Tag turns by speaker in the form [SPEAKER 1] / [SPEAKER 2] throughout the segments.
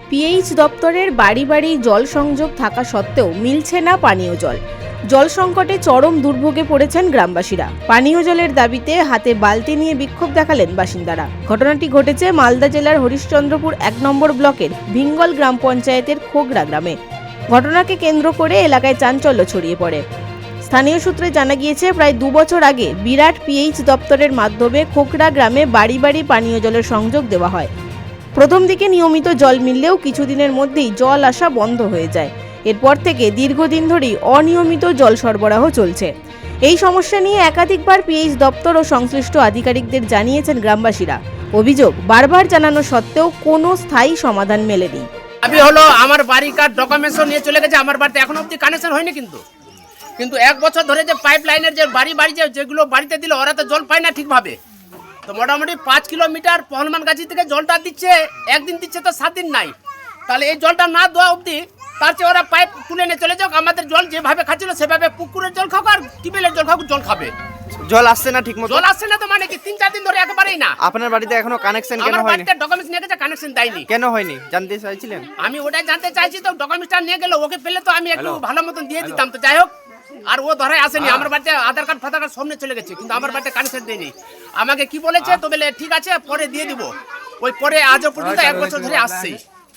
[SPEAKER 1] PH দপ্তরের বাড়ি বাড়ি জল সংযোগ থাকা সত্ত্বেও মিলছে না পানীয় জল। জল সংকটে চরম দুর্ভোগে পড়েছেন গ্রামবাসীরা। পানীয় জলের দাবিতে হাতে বালতি নিয়ে বিক্ষোভ দেখালেন বাসিন্দারা। ঘটনাটি ঘটেছে মালদা জেলার হরিশ্চন্দ্রপুর ১ নম্বর ব্লকের ভিঙ্গল গ্রাম পঞ্চায়েতের খোগড়া গ্রামে। ঘটনাকে কেন্দ্র করে এলাকায় চাঞ্চল্য ছড়িয়ে পড়ে। স্থানীয় সূত্রে জানা গিয়েছে, প্রায় ২ বছর আগে বিরাট পিএইচ দপ্তরের মাধ্যমে খোগড়া গ্রামে বাড়ি বাড়ি পানীয় জলের সংযোগ দেওয়া হয়। প্রথম দিকে নিয়মিত জল মিললেও কিছুদিনের মধ্যেই জল আসা বন্ধ হয়ে যায়। এরপর থেকে দীর্ঘদিন ধরেই অনিয়মিত জল সরবরাহ চলছে। এই সমস্যা নিয়ে একাধিকবার পিএইচ দপ্তর ও সংশ্লিষ্ট আধিকারিকদের জানিয়েছেন গ্রামবাসীরা। অভিযোগ, বারবার জানানো সত্ত্বেও কোনো স্থায়ী সমাধান মেলেনি।
[SPEAKER 2] দাবি হলো আমার বাড়িকার ডকুমেন্টস নিয়ে চলে গেছে, আমার বাড়িতে এখনো অবধি কানেকশন হয়নি। কিন্তু 1 বছর ধরে যে পাইপ লাইনের যে বাড়ি যেগুলো বাড়িতে দিল ওরা তো জল পায় না ঠিকভাবে। তো মোটামুটি 5 কিলোমিটার পহলমানগাছি থেকে জলটা দিচ্ছে, একদিন দিচ্ছে তো 7 দিন নাই। তাহলে এই জলটা না দেওয়া অবধি তার চেয়ে ওরা পাইপ তুলে নিয়ে চলে যাক। আমাদের জল যেভাবে খাচ্ছিল সেভাবে পুকুরের জল খাক আর টিউবওয়েলের জল খাক, জল খাবে।
[SPEAKER 3] জল আসছে না ঠিকমতো?
[SPEAKER 2] জল আসছে না তো মানে কি 3-4 দিন ধরে একেবারেই না।
[SPEAKER 3] আপনার বাড়িতে এখনো কানেকশন কেন
[SPEAKER 2] আমার
[SPEAKER 3] হয়নি?
[SPEAKER 2] বাড়িতে ডকুমেন্টস নিয়ে গেছে, কানেকশন দেয়নি।
[SPEAKER 3] কেন হয়নি জানতে চাইছিলেন?
[SPEAKER 2] আমি ওটাই জানতে চাইছি, তো ডকুমেন্টসটা নিয়ে গেল, ওকে পেলে তো আমি একটু ভালো মতন দিয়ে দিতাম। তো যাই হোক, আর ও ধরাই আসেনি। আমার বাড়িতে আধার কার্ড ফাধার কার্ড সামনে চলে গেছে, কিন্তু আমার বাড়িতে কানেকশন দেয়নি। আমাকে কি বলেছে, তো বলে ঠিক আছে পরে দিয়ে দিব। ওই পরে আজও পর্যন্ত 1 বছর ধরে আসছে।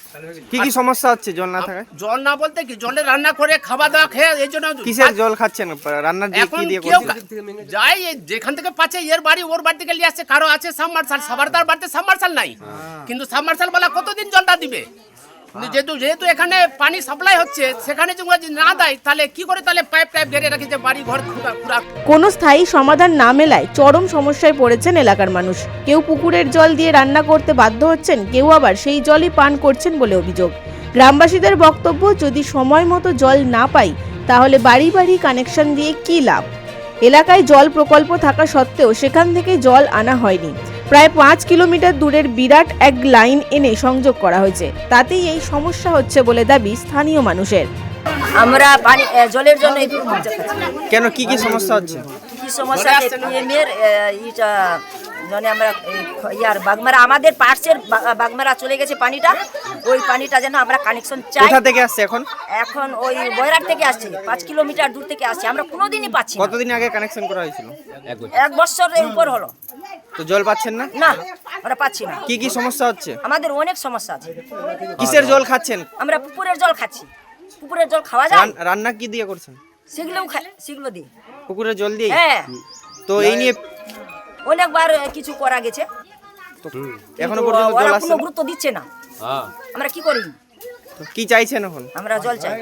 [SPEAKER 3] কি কি সমস্যা হচ্ছে জল না থাকায়?
[SPEAKER 2] জল না বলতে কি, জলে রান্না করে খাওয়া দাওয়া খেয়ে এই জন্য।
[SPEAKER 3] কিসের জল খাচ্ছেন? রান্নার দিয়ে
[SPEAKER 2] এখন
[SPEAKER 3] কি দিয়ে
[SPEAKER 2] কেউ
[SPEAKER 3] করছেন?
[SPEAKER 2] যাই যেখান থেকে পাচ্ছে, এর বাড়ি ওর বাড়ি থেকে নিয়ে আসছে। কারো আছে সাবমার্শাল, সবার তার বাড়িতে সাবমার্শাল নাই। কিন্তু সাবমার্শাল বলা কতদিন জলটা দিবে? যেহেতু এখানে পানি সাপ্লাই হচ্ছে, সেখানে যদি না দেয় তাহলে কি করে? তাহলে পাইপ গেড়ে রাখি যে বাড়ি ঘর পুরা।
[SPEAKER 1] কোনো স্থায়ী সমাধান না মেলায় চরম সমস্যায় পড়েছেন এলাকার মানুষ। কেউ পুকুরের জল দিয়ে রান্না করতে বাধ্য হচ্ছেন, কেউ আবার সেই জলই পান করছেন বলে অভিযোগ। গ্রামবাসীদের বক্তব্য, যদি সময় মতো জল না পাই তাহলে বাড়ি বাড়ি কানেকশন দিয়ে কী লাভ? এলাকায় জল প্রকল্প থাকা সত্ত্বেও সেখান থেকে জল আনা হয়নি। প্রায় 5 কিলোমিটার দূরের বিরাট এক লাইন এনে সংযোগ করা হয়েছে, তাতেই এই সমস্যা হচ্ছে বলে দাবি স্থানীয় মানুষের।
[SPEAKER 4] আমরা পানি জলের জন্য
[SPEAKER 3] কেন কি কি সমস্যা হচ্ছে?
[SPEAKER 4] কি সমস্যা? পিএমের ইটা মানে আমরা ইয়ার বাগমারা, আমাদের পার্সের বাগমারা চলে গেছে পানিটা। ওই পানিটা যেন আমরা কানেকশন চাই।
[SPEAKER 3] কোথা থেকে আসছে এখন?
[SPEAKER 4] এখন ওই বয়রাট থেকে আসছে, 5 কিলোমিটার দূর থেকে আসছে। আমরা কোনোদিনই পাচ্ছি না।
[SPEAKER 3] কতদিন আগে কানেকশন করা হয়েছিল?
[SPEAKER 4] 1 বছরের উপর হলো।
[SPEAKER 3] তো জল পাচ্ছেন না?
[SPEAKER 4] না, আমরা পাচ্ছি না।
[SPEAKER 3] কি কি সমস্যা হচ্ছে?
[SPEAKER 4] আমাদের অনেক সমস্যা আছে।
[SPEAKER 3] কিসের জল খাচ্ছেন?
[SPEAKER 4] আমরা পুকুরের জল খাচ্ছি। পুকুরের জল খাওয়া যায়?
[SPEAKER 3] রান্না কি দিয়ে করছেন?
[SPEAKER 4] সেগুলো দিই।
[SPEAKER 3] পুকুরের জল দিয়ে?
[SPEAKER 4] হ্যাঁ।
[SPEAKER 3] তো এই নিয়ে
[SPEAKER 4] অনেকবার কিছু করা গেছে,
[SPEAKER 3] এখনো পর্যন্ত জল আসছে
[SPEAKER 4] কোনো
[SPEAKER 3] না?
[SPEAKER 4] গুরুত্ব দিচ্ছে না। আমরা কি করি?
[SPEAKER 3] তো কি চাইছেন এখন?
[SPEAKER 4] আমরা জল চাই।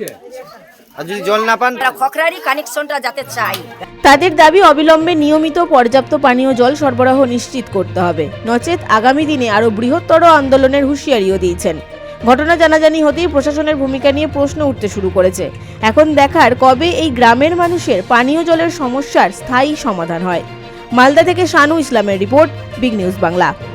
[SPEAKER 3] আর যদি জল না পান?
[SPEAKER 4] আমরা খকরারি কানেকশনটা যাতে চাই।
[SPEAKER 1] তাদের দাবি, অবিলম্বে নিয়মিত পর্যাপ্ত পানীয় জল সরবরাহ নিশ্চিত করতে হবে, নচেত আগামী দিনে আরও বৃহত্তর আন্দোলনের হুঁশিয়ারিও দিয়েছেন। ঘটনা জানাজানি হতেই প্রশাসনের ভূমিকা নিয়ে প্রশ্ন উঠতে শুরু করেছে। এখন দেখার কবে এই গ্রামের মানুষের পানীয় জলের সমস্যার স্থায়ী সমাধান হয়। মালদা থেকে শানু ইসলামের রিপোর্ট, বিগ নিউজ বাংলা।